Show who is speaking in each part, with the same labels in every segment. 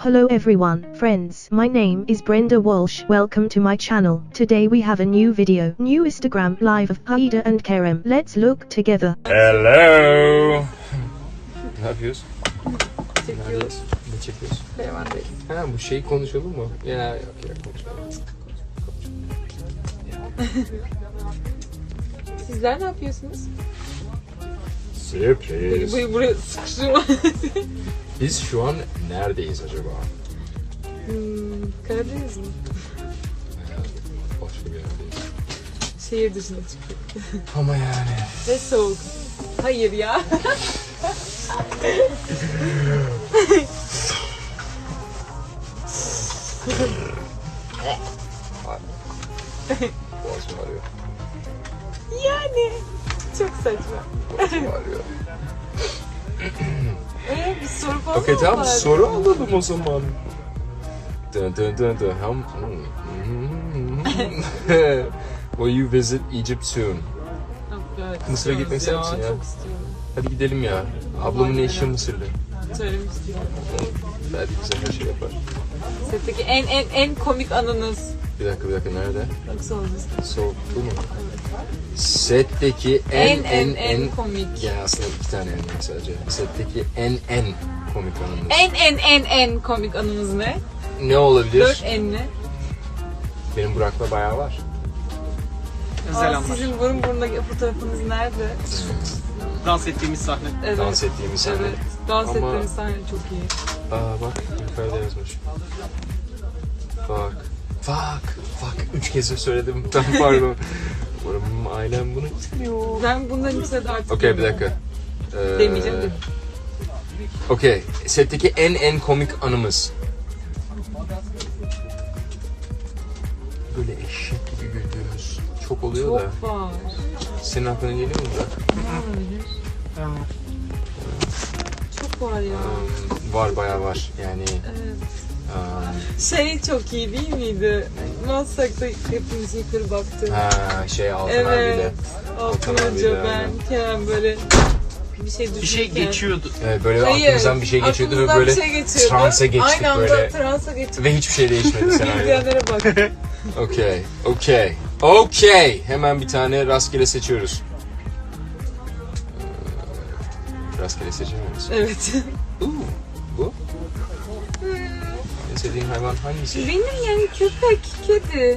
Speaker 1: Hello everyone, friends. My name is Brenda Walsh. Welcome to my channel. Today we have a new video. New Instagram live of Haida and Kerem. Let's look together.
Speaker 2: Hello. Ne yapıyoruz?
Speaker 3: Çekiyoruz.
Speaker 2: Ne çekiyoruz?
Speaker 3: Hemen değil.
Speaker 2: Ha bu şeyi konuşalım mı? Ya yok ya konuşalım.
Speaker 3: Sizler ne yapıyorsunuz?
Speaker 2: Sürpriz.
Speaker 3: Buraya sıkıştırma.
Speaker 2: Biz şu an neredeyiz acaba?
Speaker 3: Karadeniz mi?
Speaker 2: Başka bir yerdeyiz.
Speaker 3: Şehir dışına çıktık.
Speaker 2: Ama yani.
Speaker 3: Ve soğuk. Hayır ya.
Speaker 2: Boğazım ağrıyor.
Speaker 3: Yani. Çok saçma.
Speaker 2: Boğazım ağrıyor.
Speaker 3: Bir soru falan
Speaker 2: Okey
Speaker 3: mı
Speaker 2: tamam
Speaker 3: var?
Speaker 2: soru alalım o zaman. Dun dun dun dun. Will you visit Egypt soon?
Speaker 3: Evet,
Speaker 2: Mısır'a gitmek ister misin ya?
Speaker 3: Çok istiyorum.
Speaker 2: Hadi gidelim ya. Ablamın eşi Mısırlı.
Speaker 3: Söylemiştim.
Speaker 2: Belki bize her şey yapar.
Speaker 3: Setteki en komik anınız.
Speaker 2: Bir dakika nerede?
Speaker 3: Nasıl olacağız?
Speaker 2: Soğuk bu mu? Setteki en
Speaker 3: komik.
Speaker 2: Ya aslında iki tane en var sadece. Setteki en komik anımız.
Speaker 3: En komik anınız ne?
Speaker 2: Ne olabilir?
Speaker 3: 4 enli.
Speaker 2: Benim Burak'la bayağı var.
Speaker 3: Sizin burun burundaki fotoğrafınız nerede?
Speaker 4: Dans ettiğimiz sahne.
Speaker 3: Evet.
Speaker 2: Dans ettiğimiz sahne.
Speaker 3: Evet. Dans
Speaker 2: Ama-
Speaker 3: ettiğimiz sahne çok iyi.
Speaker 2: Aa bak yukarıda yazmış. Fuck. 3 kez söyledim. Ben pardon. Umarım ailem bunu istemiyor.
Speaker 3: Ben bundan içine de artık...
Speaker 2: Okey bir dakika.
Speaker 3: Demeyeceğim de.
Speaker 2: Okey. Setteki en komik anımız. Böyle eşek gibi güldüğümüz çok oluyor da.
Speaker 3: Çok var.
Speaker 2: Senin aklına geliyor mu Burak?
Speaker 3: Ne olabilir? Çok var ya.
Speaker 2: Var bayağı var. Yani
Speaker 3: Şey çok iyi değil miydi? Maslak'ta hepimiz yukarı baktık.
Speaker 2: Altın abiyle.
Speaker 3: Evet. Altın
Speaker 2: abiyle,
Speaker 3: Hoca, ben,
Speaker 2: aynen.
Speaker 3: Kerem böyle bir şey düşünürken.
Speaker 4: Bir şey geçiyordu.
Speaker 2: Evet, böyle
Speaker 3: Hayır,
Speaker 2: aklımızdan bir şey geçiyordu ve böyle
Speaker 3: bir şey geçiyordu.
Speaker 2: transa geçtik
Speaker 3: Aynı anda
Speaker 2: böyle.
Speaker 3: transa geçtik.
Speaker 2: Ve hiçbir şey değişmedi senaryo.
Speaker 3: İzleyenlere bak.
Speaker 2: Okey. Hemen bir tane rastgele seçiyoruz. Rastgele seçemiyoruz.
Speaker 3: Evet.
Speaker 2: Bu? En sevdiğin hayvan hangisi?
Speaker 3: Benim yani köpek, kedi.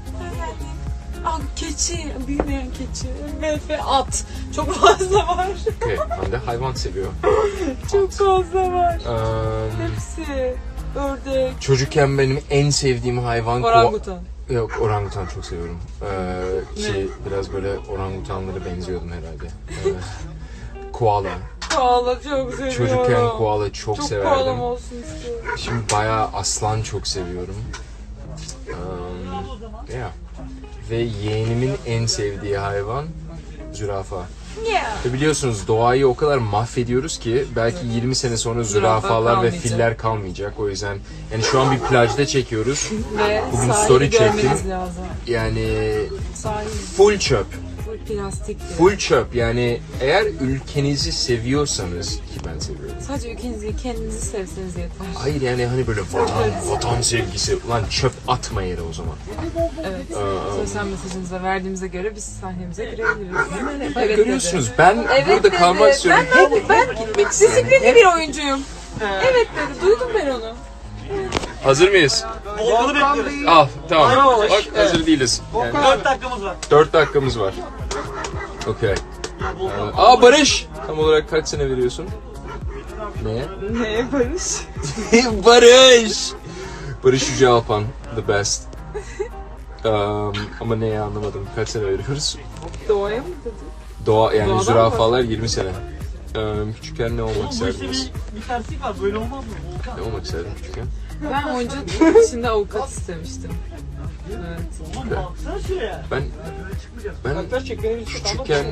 Speaker 3: keçi, büyümeyen keçi ve at. Çok fazla var.
Speaker 2: Okay, Hande hayvan seviyor.
Speaker 3: Çok fazla var.
Speaker 2: Um,
Speaker 3: Hepsi. Ördek.
Speaker 2: çocukken benim en sevdiğim hayvan
Speaker 3: Orangutan.
Speaker 2: Yok, orangutan çok seviyorum. Ki biraz böyle orangutanlara benziyordum herhalde. Koala.
Speaker 3: Koala çok seviyorum.
Speaker 2: Çocukken koala çok severdim.
Speaker 3: Çok koalam olsun istiyorum.
Speaker 2: Şimdi bayağı aslan çok seviyorum. Yeah. Ve yeğenimin en sevdiği hayvan zürafa.
Speaker 3: Yeah.
Speaker 2: Ve biliyorsunuz doğayı o kadar mahvediyoruz ki belki 20 sene sonra zürafalar ve
Speaker 3: kalmayacak.
Speaker 2: filler kalmayacak. O yüzden yani şu an bir plajda çekiyoruz.
Speaker 3: Ve
Speaker 2: Bugün
Speaker 3: sahili
Speaker 2: story çektim.
Speaker 3: görmeniz lazım.
Speaker 2: Yani
Speaker 3: Sahil
Speaker 2: full çöp.
Speaker 3: plastik.
Speaker 2: Full çöp. Yani eğer ülkenizi seviyorsanız ki ben seviyorum.
Speaker 3: Sadece ülkenizi kendinizi sevseniz yeter.
Speaker 2: Hayır yani hani böyle vatan sevgisi. Ulan çöp atma yere o zaman.
Speaker 3: Evet. Sosyal mesajınıza verdiğimize göre biz sahnemize girebiliriz.
Speaker 2: Evet, görüyorsunuz ben
Speaker 3: Evet
Speaker 2: burada
Speaker 3: dedi.
Speaker 2: kalmak istiyorum.
Speaker 3: Ben
Speaker 2: Gitmek istiyorum.
Speaker 3: disiplinli bir oyuncuyum. Evet dedi. Duydum ben onu.
Speaker 2: Hazır mıyız?
Speaker 4: Volkan'ı bekliyoruz.
Speaker 2: Al tamam. Bak hazır değiliz. Yani
Speaker 4: 4 dakikamız var.
Speaker 2: 4 dakikamız var. Okey. Barış! Tam olarak kaç sene veriyorsun? Neye?
Speaker 3: Ne Barış?
Speaker 2: Barış! Barış Yüce Alpan. The best. Ama neye anlamadım. Kaç sene veriyoruz?
Speaker 3: Doğaya mı dedi?
Speaker 2: Doğa yani
Speaker 3: Doğadan
Speaker 2: zürafalar 20 sene. Küçükken ne olmak
Speaker 4: Bu işte
Speaker 2: isterdiniz?
Speaker 4: bir terslik var. Böyle olmaz mı?
Speaker 2: Ne olmak isterdin küçükken?
Speaker 3: Ben oyunculuk içinde avukat istemiştim. Evet.
Speaker 4: Oğlum baksana şuraya.
Speaker 2: Ben küçükken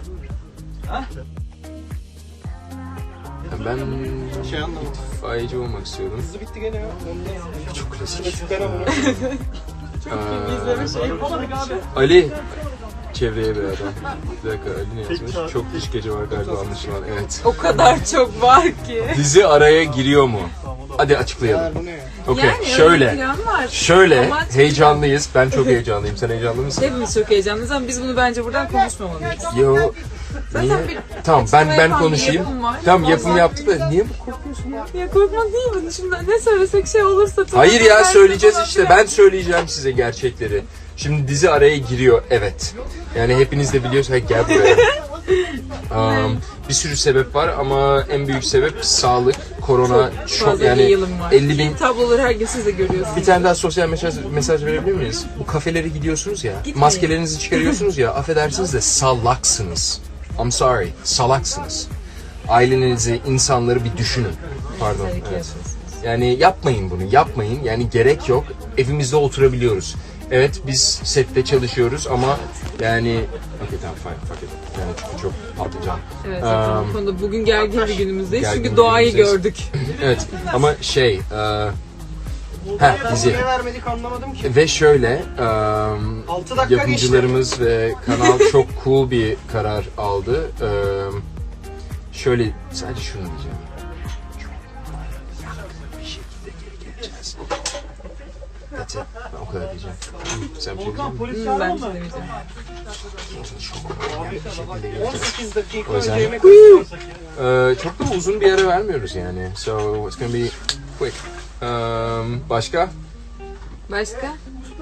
Speaker 2: ben itfaiyeci olmak istiyordum.
Speaker 4: Hızlı bitti gene ya.
Speaker 2: Çok klasik.
Speaker 3: İzleme şeyi
Speaker 4: Yapamadık abi.
Speaker 2: çevreye bir adam. Bir dakika Ali ne yazmış? Çok dış gece var galiba anlaşılan. Evet.
Speaker 3: O kadar çok var ki.
Speaker 2: Dizi araya giriyor mu? Hadi açıklayalım. Okey,
Speaker 3: Yani öyle bir
Speaker 2: şöyle.
Speaker 3: plan var.
Speaker 2: Şöyle
Speaker 3: Ama
Speaker 2: heyecanlıyız. Ben çok heyecanlıyım. Sen heyecanlı mısın?
Speaker 3: Hepimiz çok heyecanlıyız ama biz bunu bence buradan konuşmamalıyız.
Speaker 2: Yo.
Speaker 3: Zaten
Speaker 2: Niye?
Speaker 3: bir
Speaker 2: Tamam ben
Speaker 3: yapan bir
Speaker 2: konuşayım.
Speaker 3: yapım var.
Speaker 2: Tamam yapım
Speaker 3: Ondan-
Speaker 2: yaptık da niye bu korkuyorsun ya?
Speaker 3: Ya korkma değil mi? Şimdi ne söylesek şey olursa...
Speaker 2: Hayır ya
Speaker 3: Ben
Speaker 2: söyleyeceğiz
Speaker 3: falan
Speaker 2: işte.
Speaker 3: filan.
Speaker 2: Ben söyleyeceğim size gerçekleri. Şimdi dizi araya giriyor. Evet. Yani hepiniz de biliyorsunuz. Hey, gel buraya. Bir sürü sebep var ama en büyük sebep sağlık, korona, çok
Speaker 3: Fazla
Speaker 2: yani
Speaker 3: yayılım var.
Speaker 2: 50 bin.
Speaker 3: Tabloları her gün siz de görüyorsunuz.
Speaker 2: Bir tane daha sosyal mesaj verebilir miyiz? Bu kafelere gidiyorsunuz ya,
Speaker 3: Gitmeyin.
Speaker 2: maskelerinizi çıkarıyorsunuz ya, affedersiniz de salaksınız. I'm sorry, salaksınız. Ailenizi, insanları bir düşünün. Pardon.
Speaker 3: Tabii ki
Speaker 2: Evet.
Speaker 3: yapıyorsunuz.
Speaker 2: Yani yapmayın bunu, yapmayın. Yani gerek yok. Evimizde oturabiliyoruz. Evet biz sette çalışıyoruz ama yani... Okey tamam fine, fuck it. Yani çünkü çok patlayacağım.
Speaker 3: Evet, zaten bu konuda bugün gergin bir günümüzdeyiz
Speaker 2: Gergin
Speaker 3: çünkü
Speaker 2: bir
Speaker 3: doğayı
Speaker 2: günümüzdeyiz.
Speaker 3: gördük.
Speaker 2: Evet ama şey... dizi.
Speaker 4: Niye vermedik anlamadım ki.
Speaker 2: Ve şöyle,
Speaker 4: 6 dakika
Speaker 2: yapımcılarımız ve kanal çok cool bir karar aldı. Şöyle, sadece şunu diyeceğim. Çok yakın bir şekilde geri geleceğiz. That's it. Ben o kadar diyeceğim. Sen bir şey diyecek misin?
Speaker 4: Polis
Speaker 3: Ben
Speaker 4: çağıralım mı?
Speaker 3: söylemeyeceğim.
Speaker 2: Çok yakın bir şekilde geleceğiz.
Speaker 4: 18 dakika
Speaker 2: O yüzden-
Speaker 4: önce yemek yapsak ya.
Speaker 2: Çok da uzun bir ara vermiyoruz yani. So it's gonna be quick. Başka?
Speaker 3: Başka?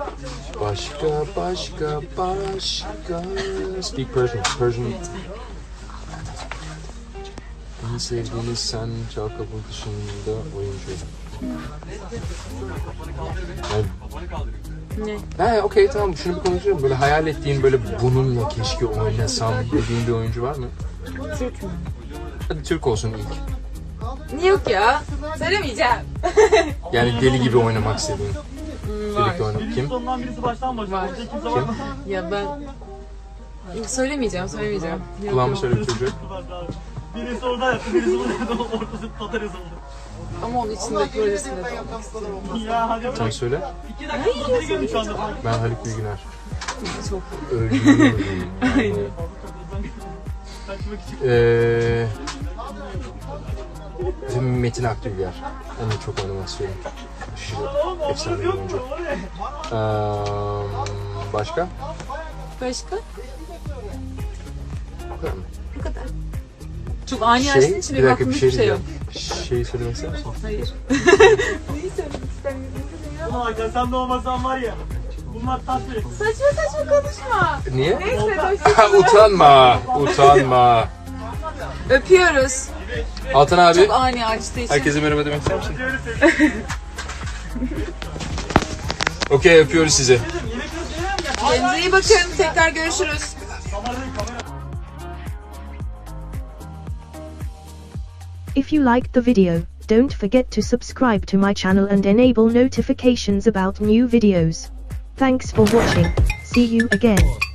Speaker 2: Başka. Speak Persian. En sevdiğiniz sen Çal Kapı dışında oyuncu.
Speaker 3: Ne?
Speaker 2: Ha okey tamam şunu bir konuşalım. Böyle hayal ettiğin böyle bununla keşke oynasam dediğin bir oyuncu var mı?
Speaker 3: Türk mü?
Speaker 2: Hadi Türk olsun ilk.
Speaker 3: Niye yok ya? Söylemeyeceğim.
Speaker 2: Yani deli gibi oynamak istediğin.
Speaker 3: Var.
Speaker 2: Birlikte oynamak.
Speaker 4: Birisi
Speaker 2: Kim?
Speaker 4: sondan birisi baştan başlar.
Speaker 3: Var.
Speaker 4: Orada kimse var mı?
Speaker 3: Ya ben... Söylemeyeceğim. Yok,
Speaker 2: Kulağıma
Speaker 3: yok.
Speaker 2: söyle bir çocuğu.
Speaker 4: Birisi orada yaptı, birisi burada yaptı. Ortası tatar yazıldı.
Speaker 3: Ama onun içinde projesinde de olmak istiyorum.
Speaker 4: Ya hadi bırak.
Speaker 2: Sen söyle.
Speaker 4: 2 dakika sonra gelin şu anda.
Speaker 2: Ben Haluk Bilginer.
Speaker 3: Çok.
Speaker 2: Öldüm.
Speaker 3: Aynen.
Speaker 4: Kaçmak için.
Speaker 2: Bizim Metin Akdülger. Onu çok oynamak istiyorum. Aşırı efsane bir oyuncu. Başka?
Speaker 3: Başka?
Speaker 2: Bu kadar mı?
Speaker 3: Bu kadar. Çok ani açtığın için
Speaker 2: bir
Speaker 3: benim
Speaker 2: dakika
Speaker 3: aklımda
Speaker 2: bir şey
Speaker 3: hiçbir şey yok.
Speaker 2: diyeceğim. Şeyi söylemek ister misin?
Speaker 3: Hayır. Neyi söylemek istemiyorsun?
Speaker 4: Ulan Hakan sen de olmasan var ya. Bunlar tatlı.
Speaker 3: Saçma konuşma.
Speaker 2: Niye?
Speaker 3: Neyse
Speaker 2: Ha,
Speaker 3: hoşçakalın.
Speaker 2: utanma.
Speaker 3: Öpüyoruz.
Speaker 2: Altan abi,
Speaker 3: Çok ani açtığı için.
Speaker 2: herkese merhaba demek ister misin? Okey, öpüyoruz sizi.
Speaker 3: Kendinize iyi bakın. Tekrar görüşürüz.
Speaker 1: If you liked the video, don't forget to subscribe to my channel and enable notifications about new videos. Thanks for watching. See you again.